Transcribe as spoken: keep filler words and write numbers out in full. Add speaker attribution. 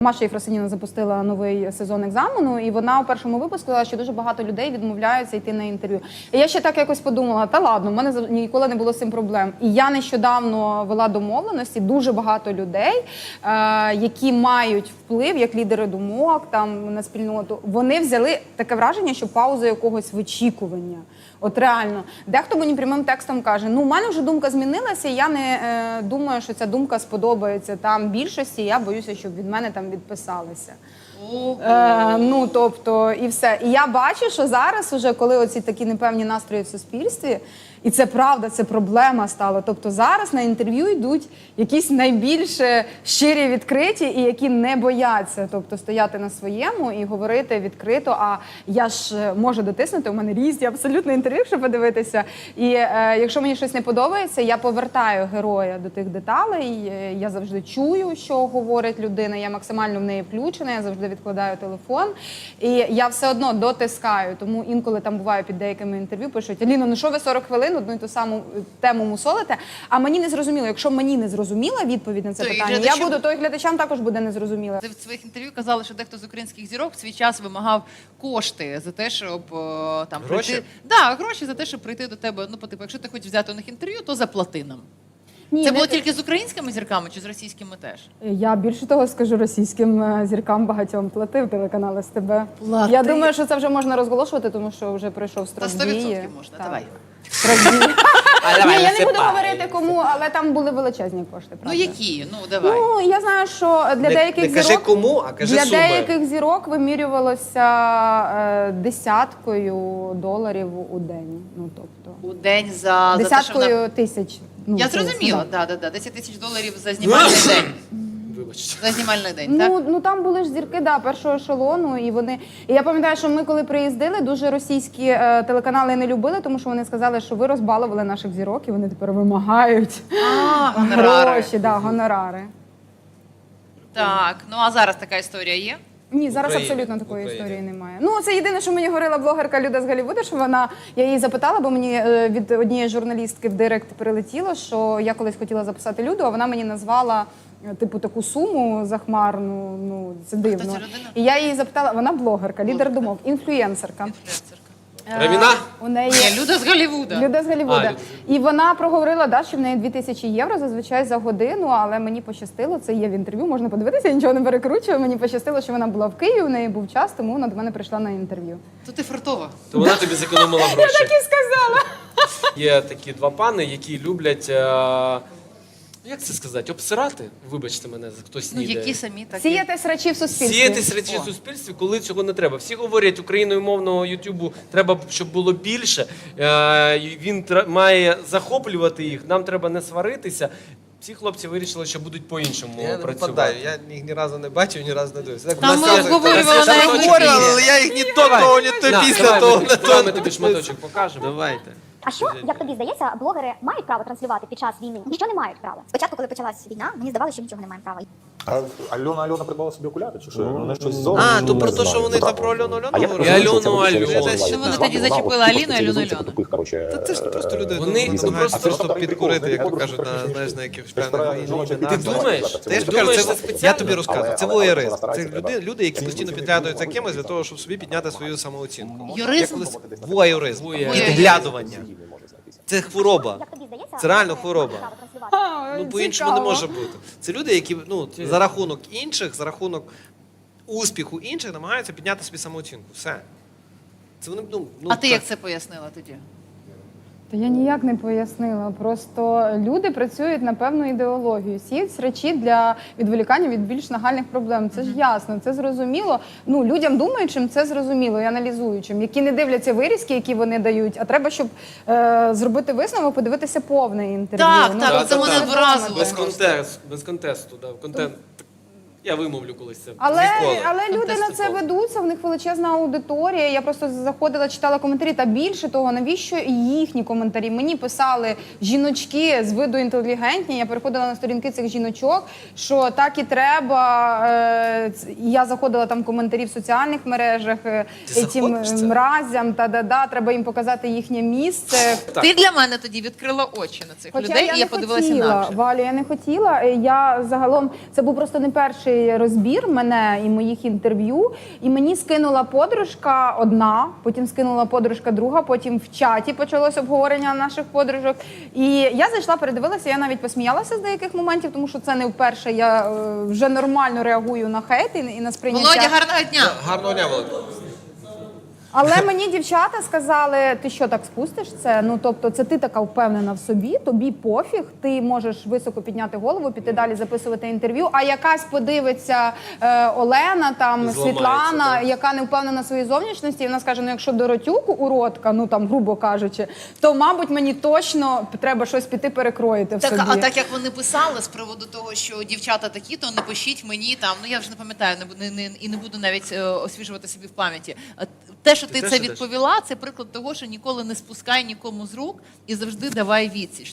Speaker 1: Маша Єфросиніна запустила новий сезон екзамену, і вона у першому випуску сказала, що дуже багато людей відмовляються йти на інтерв'ю. І я ще так якось подумала, та ладно, в мене ніколи не було з цим проблем. І я нещодавно вела домовленості, дуже багато людей, е, які мають вплив, як лідери думок там на спільноту, вони взяли таке враження, що пауза якогось вичікування. От реально. Дехто мені прямим текстом каже, ну, у мене вже думка змінилася, і я не е, думаю, що ця думка сподобається там більшості, я боюся, щоб від мене там відписалися. Е, ну, тобто, і все. І я бачу, що зараз, уже, коли оці такі непевні настрої в суспільстві, і це правда, це проблема стала. Тобто зараз на інтерв'ю йдуть якісь найбільш щирі, відкриті, і які не бояться, тобто стояти на своєму і говорити відкрито, а я ж можу дотиснути, у мене різні абсолютно інтерв'ю, щоб подивитися. І е, якщо мені щось не подобається, я повертаю героя до тих деталей, я завжди чую, що говорить людина, я максимально в неї включена, я завжди відкладаю телефон, і я все одно дотискаю, тому інколи там буває під деякими інтерв'ю, пишуть, Аліно, ну що ви сорок хвилин одну і ту саму тему мусолите, а мені не зрозуміло. Якщо мені не зрозуміла відповідь на це
Speaker 2: то
Speaker 1: питання,
Speaker 2: глядачам...
Speaker 1: я буду, то і глядачам також буде незрозуміло.
Speaker 2: Ти в своїх інтерв'ю казали, що дехто з українських зірок в свій час вимагав кошти за те, щоб там
Speaker 3: гроші?
Speaker 2: прийти. Да, гроші за те, щоб прийти до тебе. Ну, по типу, якщо ти хочеш взяти у них інтерв'ю, то заплати нам.
Speaker 1: Ні,
Speaker 2: Це
Speaker 1: не...
Speaker 2: було тільки з українськими зірками чи з російськими теж?
Speaker 1: Я більше того скажу, російським зіркам багатьом платив телеканал СТБ.
Speaker 2: Плати?
Speaker 1: Я думаю, що це вже можна розголошувати, тому що вже пройшов строк
Speaker 2: Та сто
Speaker 1: дії.
Speaker 2: відсотків можна,
Speaker 1: Так.
Speaker 2: давай.
Speaker 1: Ні, я не буду говорити кому, але там були величезні кошти.
Speaker 2: Ну
Speaker 1: правда.
Speaker 2: які? Ну давай.
Speaker 1: Ну, я знаю, що для
Speaker 3: Не,
Speaker 1: деяких
Speaker 3: не кажи
Speaker 1: зірок...
Speaker 3: кому, а кажи
Speaker 1: Для
Speaker 3: суми.
Speaker 1: деяких зірок вимірювалося е, десяткою доларів у день. Ну, тобто,
Speaker 2: У день за, за те, що
Speaker 1: десяткою
Speaker 2: вона...
Speaker 1: тисяч. Ну,
Speaker 2: Я
Speaker 1: це
Speaker 2: зрозуміла,
Speaker 1: да.
Speaker 2: да, да, да. десять тисяч доларів за знімальний день.
Speaker 3: Вибачте.
Speaker 2: За знімальний день, так?
Speaker 1: Ну, ну там були ж зірки, да, першого ешелону, і вони. І я пам'ятаю, що ми коли приїздили, дуже російські е, телеканали не любили, тому що вони сказали, що ви розбалували наших зірок, і вони тепер вимагають
Speaker 2: А, гонорари.
Speaker 1: гроші, да, гонорари.
Speaker 2: Так, ну а зараз така історія є?
Speaker 1: Ні, зараз
Speaker 3: Україні.
Speaker 1: абсолютно такої
Speaker 3: Україні.
Speaker 1: історії немає. Ну, це єдине, що мені говорила блогерка Люда з Голлівуду, що вона, я її запитала, бо мені е, від однієї журналістки в директ прилетіло, що я колись хотіла записати Люду, а вона мені назвала е, типу таку суму захмарну, ну, це дивно.
Speaker 2: ця людина?
Speaker 1: І я її запитала, вона блогерка, лідер думок, інфлюенсерка.
Speaker 2: Інфлюенсерка.
Speaker 1: Равіна? У неї
Speaker 2: Ні, Люда з Голлівуда.
Speaker 1: Люда з Голлівуда.
Speaker 3: А, Люда.
Speaker 1: І вона проговорила, да, що в неї дві тисячі євро зазвичай за годину, але мені пощастило, це є в інтерв'ю, можна подивитися, я нічого не перекручую. Мені пощастило, що вона була в Києві, у неї був час, тому вона до мене прийшла на інтерв'ю.
Speaker 2: То ти фартова.
Speaker 3: То вона тобі зекономила гроші.
Speaker 1: Так і сказала.
Speaker 3: Є такі два пани, які люблять, е, як це сказати, обсирати, вибачте мене, за хтось
Speaker 2: Ну,
Speaker 3: снідає.
Speaker 2: які самі такі.
Speaker 1: Сіяти срачі в суспільстві.
Speaker 3: Сіяти речі в суспільстві, коли цього не треба. Всі говорять, україною мовного Ютубу треба, щоб було більше. Е, і він тр- має захоплювати їх, нам треба не сваритися. Ці хлопці вирішили, що будуть по-іншому
Speaker 4: Я не
Speaker 3: працювати.
Speaker 4: попадаю, я їх ні разу не бачив, ні разу не дивився. Так,
Speaker 2: Там
Speaker 4: в
Speaker 2: ми
Speaker 4: нас
Speaker 2: обговорювали
Speaker 4: там
Speaker 2: на
Speaker 4: обговорювали, але я їх ні то того, ні то
Speaker 3: На,
Speaker 4: після
Speaker 3: давай,
Speaker 4: того,
Speaker 3: ми-
Speaker 4: не
Speaker 3: давай ми
Speaker 4: то.
Speaker 3: тобі шматочок покажемо.
Speaker 4: Давайте.
Speaker 5: А що, як тобі здається, блогери мають право транслювати під час війни? Ніщо не мають права. Спочатку, коли почалась війна, мені здавалося, що нічого не маємо права.
Speaker 6: А Альона Альона придбала собі окуляри, чи що? Вони щось зовсім
Speaker 4: А,
Speaker 6: не
Speaker 4: то про те,
Speaker 6: знаю.
Speaker 4: що вони там про Альону
Speaker 6: А я
Speaker 4: Альону
Speaker 6: так
Speaker 3: І
Speaker 4: говорили.
Speaker 6: розумію, що
Speaker 3: Альону,
Speaker 6: це
Speaker 3: Альону.
Speaker 6: вище
Speaker 2: Ну, вони
Speaker 6: назва.
Speaker 2: тоді
Speaker 6: Вона
Speaker 2: зачепили
Speaker 6: от
Speaker 2: Аліну,
Speaker 6: тупо
Speaker 2: Альону,
Speaker 6: спеціалізується
Speaker 2: Альону.
Speaker 6: по тупих, коротше,
Speaker 4: Та це ж просто люди
Speaker 3: Вони-
Speaker 4: намагаються
Speaker 3: вони
Speaker 4: просто
Speaker 6: просто
Speaker 4: підкурити,
Speaker 6: прикол,
Speaker 4: як то
Speaker 6: прикол,
Speaker 4: кажуть, на,
Speaker 6: прикол,
Speaker 4: знаєш, на
Speaker 6: прикол.
Speaker 4: якихось
Speaker 6: Ти
Speaker 4: певних війнах.
Speaker 6: Ти
Speaker 3: Ти думаєш?
Speaker 4: Та я ж
Speaker 3: Ти
Speaker 4: кажу,
Speaker 3: думаєш,
Speaker 4: це,
Speaker 3: це
Speaker 4: я
Speaker 3: спеціально?
Speaker 4: тобі розказую,
Speaker 6: Але-
Speaker 4: це
Speaker 6: але-
Speaker 4: воєрист.
Speaker 6: але
Speaker 4: Це
Speaker 6: стараються,
Speaker 4: люди,
Speaker 6: так.
Speaker 4: люди, які
Speaker 6: Ці-
Speaker 4: постійно
Speaker 6: ці-
Speaker 4: підглядують за
Speaker 6: ці-
Speaker 4: кимось для
Speaker 6: ці-
Speaker 4: того, щоб собі підняти свою самооцінку.
Speaker 2: Юризм?
Speaker 4: Як колись воєризм.
Speaker 3: Воєризм.
Speaker 4: Підглядування. Це хвороба.
Speaker 5: Як тобі здається,
Speaker 4: Це реально
Speaker 5: блогери
Speaker 4: хвороба.
Speaker 5: мають право транслювати?
Speaker 4: Ну, по-іншому не може бути. Це люди, які ну, за рахунок інших, за рахунок успіху інших намагаються підняти собі самооцінку. Все. Це вони, ну, ну,
Speaker 2: А ти
Speaker 4: так.
Speaker 2: як це пояснила тоді?
Speaker 1: Та я ніяк не пояснила. Просто люди працюють на певну ідеологію, сіють речі для відволікання від більш нагальних проблем. Це ж ясно, це зрозуміло. Ну, людям думаючим це зрозуміло і аналізуючим, які не дивляться вирізки, які вони дають, а треба, щоб е, зробити висновок, подивитися повне інтерв'ю.
Speaker 2: Так,
Speaker 1: Ну,
Speaker 2: так,
Speaker 1: тобто
Speaker 2: це мене
Speaker 1: це
Speaker 2: вразило.
Speaker 3: Без
Speaker 2: просто.
Speaker 3: контексту, без контексту, да, контент. Я вимовлю колись це.
Speaker 1: Але,
Speaker 3: Ніколи.
Speaker 1: але люди на це ведуться, в них величезна аудиторія. Я просто заходила, читала коментарі, та більше того, навіщо їхні коментарі? Мені писали жіночки з виду інтелігентні, я переходила на сторінки цих жіночок, що так і треба. Е, я заходила там в коментарі в соціальних мережах, е,
Speaker 4: Ти
Speaker 1: цим
Speaker 4: заходиш в це?
Speaker 1: мразям, та-да-да, треба їм показати їхнє місце.
Speaker 2: Ти для мене тоді відкрила очі на цих
Speaker 1: Хоча
Speaker 2: людей,
Speaker 1: я
Speaker 2: і я
Speaker 1: не
Speaker 2: подивилася
Speaker 1: хотіла,
Speaker 2: інакше.
Speaker 1: Валю, я не хотіла. Е, Я загалом, це був просто не перший перший розбір мене і моїх інтерв'ю, і мені скинула подружка одна, потім скинула подружка друга, потім в чаті почалось обговорення наших подружок. І я зайшла, передивилася, я навіть посміялася з деяких моментів, тому що це не вперше. Я е, вже нормально реагую на хейт і, і на сприйняття.
Speaker 2: Володя, гарного дня!
Speaker 4: Гарного дня, Володя.
Speaker 1: Але мені дівчата сказали, ти що так спустиш це? Ну тобто, це ти така впевнена в собі, тобі пофіг, ти можеш високо підняти голову, піти далі записувати інтерв'ю. А якась подивиться е, Олена, там
Speaker 3: Зламається,
Speaker 1: Світлана,
Speaker 3: так.
Speaker 1: яка не впевнена в своїй зовнішності, і вона скаже: ну якщо Доротюк уродка, ну там грубо кажучи, то мабуть мені точно треба щось піти перекроїти в
Speaker 2: Так,
Speaker 1: собі.
Speaker 2: а так як вони писали з приводу того, що дівчата такі, то не пишіть мені там. Ну я вже не пам'ятаю, не, бу- не, не і не буду навіть е, освіжувати собі в пам'яті. А те, що ти,
Speaker 3: теж
Speaker 2: це
Speaker 3: ідеш?
Speaker 2: відповіла, це приклад того, що ніколи не спускай нікому з рук і завжди давай відсіч.